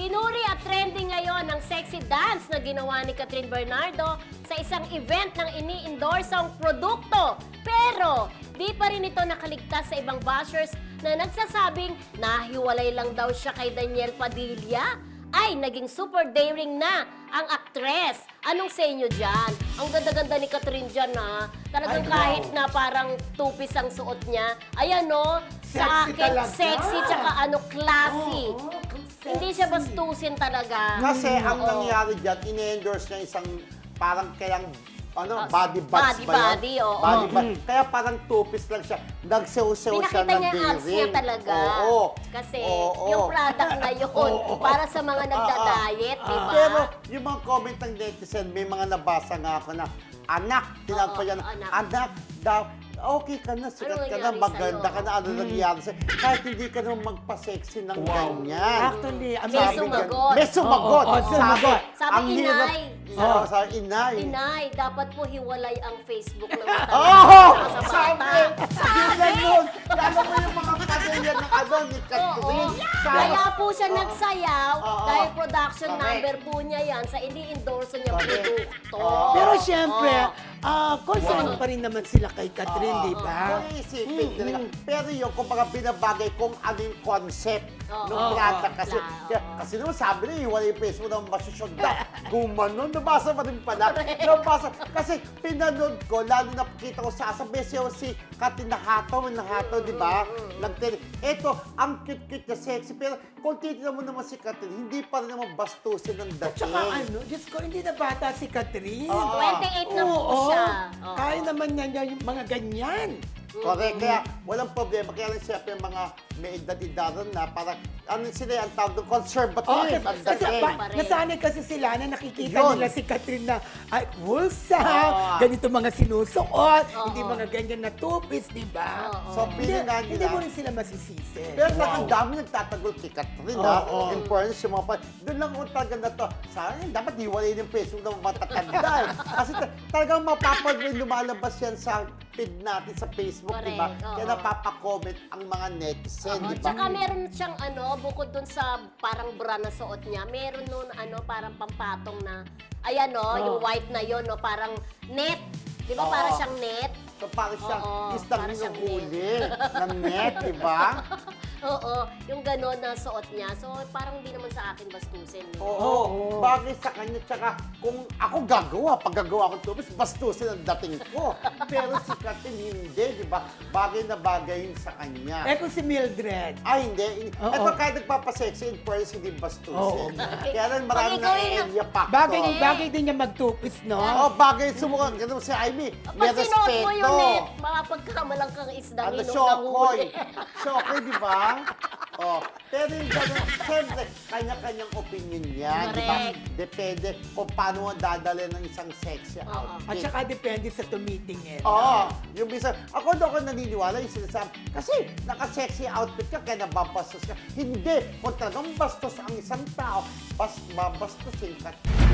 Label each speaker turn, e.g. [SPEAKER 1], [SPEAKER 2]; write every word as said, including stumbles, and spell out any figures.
[SPEAKER 1] Pinuri at trending ngayon ang sexy dance na ginawa ni Catherine Bernardo sa isang event ng ini-endorsang produkto. Pero di pa rin ito nakaligtas sa ibang bashers na nagsasabing nahiwalay lang daw siya kay Daniel Padilla. Ay, naging super daring na ang aktres. Anong sa inyo dyan? Ang ganda-ganda ni Catherine dyan, ha? Talagang
[SPEAKER 2] Ay,
[SPEAKER 1] kahit
[SPEAKER 2] wow.
[SPEAKER 1] na parang two-piece ang suot niya. Ayan, no? Sa
[SPEAKER 2] Sexy
[SPEAKER 1] akin,
[SPEAKER 2] talaga.
[SPEAKER 1] sexy, tsaka ano, classy.
[SPEAKER 2] Oo, oo,
[SPEAKER 1] Hindi
[SPEAKER 2] sexy.
[SPEAKER 1] siya bastusin talaga.
[SPEAKER 3] Kasi ang
[SPEAKER 1] Oo.
[SPEAKER 3] nangyari dyan, ine-endorse niya isang parang kayang ano,
[SPEAKER 1] Oh,
[SPEAKER 3] body buds
[SPEAKER 1] body,
[SPEAKER 3] ba yun?
[SPEAKER 1] body, oo.
[SPEAKER 3] Body
[SPEAKER 1] Mm.
[SPEAKER 3] buds. Kaya parang two-piece lang siya. Nagsew-sew siya
[SPEAKER 1] Pinakita
[SPEAKER 3] ng
[SPEAKER 1] niya ang abs niya
[SPEAKER 3] daring.
[SPEAKER 1] talaga.
[SPEAKER 3] Oo.
[SPEAKER 1] Kasi
[SPEAKER 3] Oo.
[SPEAKER 1] yung product na yun,
[SPEAKER 3] Oo.
[SPEAKER 1] para sa mga nagda-diet, di ba?
[SPEAKER 3] Pero yung mga comment ng netizen, may mga nabasa nga ako na, anak, tinawag
[SPEAKER 1] Oo,
[SPEAKER 3] pa yan,
[SPEAKER 1] anak.
[SPEAKER 3] anak daw, okay ka na, sikat
[SPEAKER 1] Ano
[SPEAKER 3] ka na,
[SPEAKER 1] nangyari
[SPEAKER 3] maganda
[SPEAKER 1] sa'yo?
[SPEAKER 3] ka na, ano nangyari sa'yo. Kahit hindi ka naman magpa-sexy ng
[SPEAKER 2] Wow.
[SPEAKER 3] ganyan.
[SPEAKER 2] Actually, ang
[SPEAKER 1] May
[SPEAKER 2] sabi
[SPEAKER 1] sumagot.
[SPEAKER 3] May sumagot.
[SPEAKER 2] Oo, oo, sumagot.
[SPEAKER 1] Sabi,
[SPEAKER 3] ang hirap-
[SPEAKER 1] inay.
[SPEAKER 3] Oo, sabi, inay.
[SPEAKER 1] Inay, dapat po hiwalay ang Facebook ng
[SPEAKER 3] Oo!
[SPEAKER 1] sa
[SPEAKER 3] Sabi!
[SPEAKER 1] bata.
[SPEAKER 3] Sabi! Ganun! Lalo mo yung mga pamilya ng ano ni
[SPEAKER 1] Oo.
[SPEAKER 3] Catherine.
[SPEAKER 1] Kaya po siya nagsayaw
[SPEAKER 3] Oo.
[SPEAKER 1] dahil production
[SPEAKER 3] Correct.
[SPEAKER 1] number po niya yan sa ini-endorse niya
[SPEAKER 3] Correct.
[SPEAKER 1] produkto.
[SPEAKER 3] Oo.
[SPEAKER 2] Pero syempre,
[SPEAKER 1] Oo.
[SPEAKER 2] ah, concern
[SPEAKER 1] Wow.
[SPEAKER 2] pa rin naman sila kay Catherine,
[SPEAKER 3] Oo.
[SPEAKER 2] di ba?
[SPEAKER 3] Kung iisipin talaga. Pero yung kumbaga binabagay kung ano yung concept
[SPEAKER 1] Oo.
[SPEAKER 3] ng
[SPEAKER 2] Oo.
[SPEAKER 3] product. Kasi,
[SPEAKER 1] Oo.
[SPEAKER 3] kaya- kasi naman sabi niya, wala yung Facebook na masusyon na. Gumano, nabasa pa rin pala. Nabasa. Kasi pinanood ko, lalo na pakita ko sa asabay siya si Katin Nahato, Nahato, di ba? Nagtele. Eto, ang cute-cute na sexy. Pero kung titignan mo naman si Katin, hindi pa rin naman bastusin ng dating.
[SPEAKER 2] Tsaka ano, Diyos ko, hindi na bata si Catherine.
[SPEAKER 3] Oo.
[SPEAKER 1] twenty-eight na po
[SPEAKER 2] Oo.
[SPEAKER 1] siya. Oo.
[SPEAKER 2] Kaya naman niya niya yung mga ganyan.
[SPEAKER 3] Correct. Kaya walang problema. Kaya lang siyempre mga may edad-edaran na parang ano sila ang tawag doon, conservative
[SPEAKER 2] Oh,
[SPEAKER 3] ang
[SPEAKER 2] kasi,
[SPEAKER 3] dating.
[SPEAKER 2] ba, nasanay kasi sila na nakikita
[SPEAKER 3] Yun.
[SPEAKER 2] nila si Catherine na ay, wulsa,
[SPEAKER 3] Oo.
[SPEAKER 2] ganito mga sinusuot,
[SPEAKER 1] Oo.
[SPEAKER 2] hindi mga ganyan na two-piece, di ba?
[SPEAKER 1] Oo.
[SPEAKER 3] So,
[SPEAKER 2] Hindi,
[SPEAKER 3] pilingan
[SPEAKER 2] hindi
[SPEAKER 3] nila.
[SPEAKER 2] mo rin sila masisisi.
[SPEAKER 3] Pero wow. Ang dami nagtatagol kay Catherine, ha?
[SPEAKER 2] Oo.
[SPEAKER 3] In fairness, yung mga pa, doon lang ako talaga na to. Sana dapat hiwalay yung Facebook ng matatanda. eh. Kasi ta- talagang mapapag lumalabas yan sa feed natin sa Facebook, di ba?
[SPEAKER 1] Correct, oo.
[SPEAKER 3] Kaya napapacomment ang mga netizen,
[SPEAKER 1] Oo,
[SPEAKER 3] di ba?
[SPEAKER 1] tsaka meron siyang ano, bukod dun sa parang bra na suot niya, meron nun ano, parang pampatong na, ayan no, yung white na yon no, parang net. Di ba
[SPEAKER 3] Oo.
[SPEAKER 1] parang siyang net?
[SPEAKER 3] So parang siyang
[SPEAKER 1] Oo,
[SPEAKER 3] isang
[SPEAKER 1] parang siyang
[SPEAKER 3] hinuhuli ng net, di ba?
[SPEAKER 1] Oo, yung gano'n na suot niya. So parang hindi naman sa akin bastusin. No?
[SPEAKER 3] Oo,
[SPEAKER 2] Oo.
[SPEAKER 3] bagay sa kanya. Tsaka kung ako gagawa, pag gagawa ko tubis, bastusin ang dating ko. Pero si Catherine hindi, di ba? Bagay na bagay yun sa kanya.
[SPEAKER 2] Eh kung si Mildred,
[SPEAKER 3] Ay, hindi.
[SPEAKER 2] Oo.
[SPEAKER 3] Ito kahit nagpapasexy, in fairness, hindi bastusin.
[SPEAKER 2] Oo.
[SPEAKER 3] Kaya lang maraming
[SPEAKER 1] Pag ikaw yung-
[SPEAKER 3] na-area factor.
[SPEAKER 2] bagay,
[SPEAKER 1] Eh.
[SPEAKER 2] bagay din niya mag-two-piece, no?
[SPEAKER 3] Oo, bagay sumukan. Ganun si Amy. May
[SPEAKER 1] Pag sinuot mo
[SPEAKER 3] respeto.
[SPEAKER 1] yung net, mapagkamalang kang isdang
[SPEAKER 3] Ano,
[SPEAKER 1] inom ng
[SPEAKER 3] Shokoy.
[SPEAKER 1] huli.
[SPEAKER 3] Shokoy, di ba? Oh, pero yung gano'n, siyempre, kanya-kanyang opinion yan, di ba?
[SPEAKER 1] Correct.
[SPEAKER 3] Depende kung paano mo dadalhin ng isang sexy
[SPEAKER 1] Oo.
[SPEAKER 3] outfit.
[SPEAKER 2] At saka depende sa tumitingin.
[SPEAKER 3] Oo, yung bisa, ako doon ako naniniwala yung sinasabi, kasi naka-sexy outfit ka, kaya nababastos ka. Hindi, kung talagang bastos ang isang tao, bas, babastosin ka.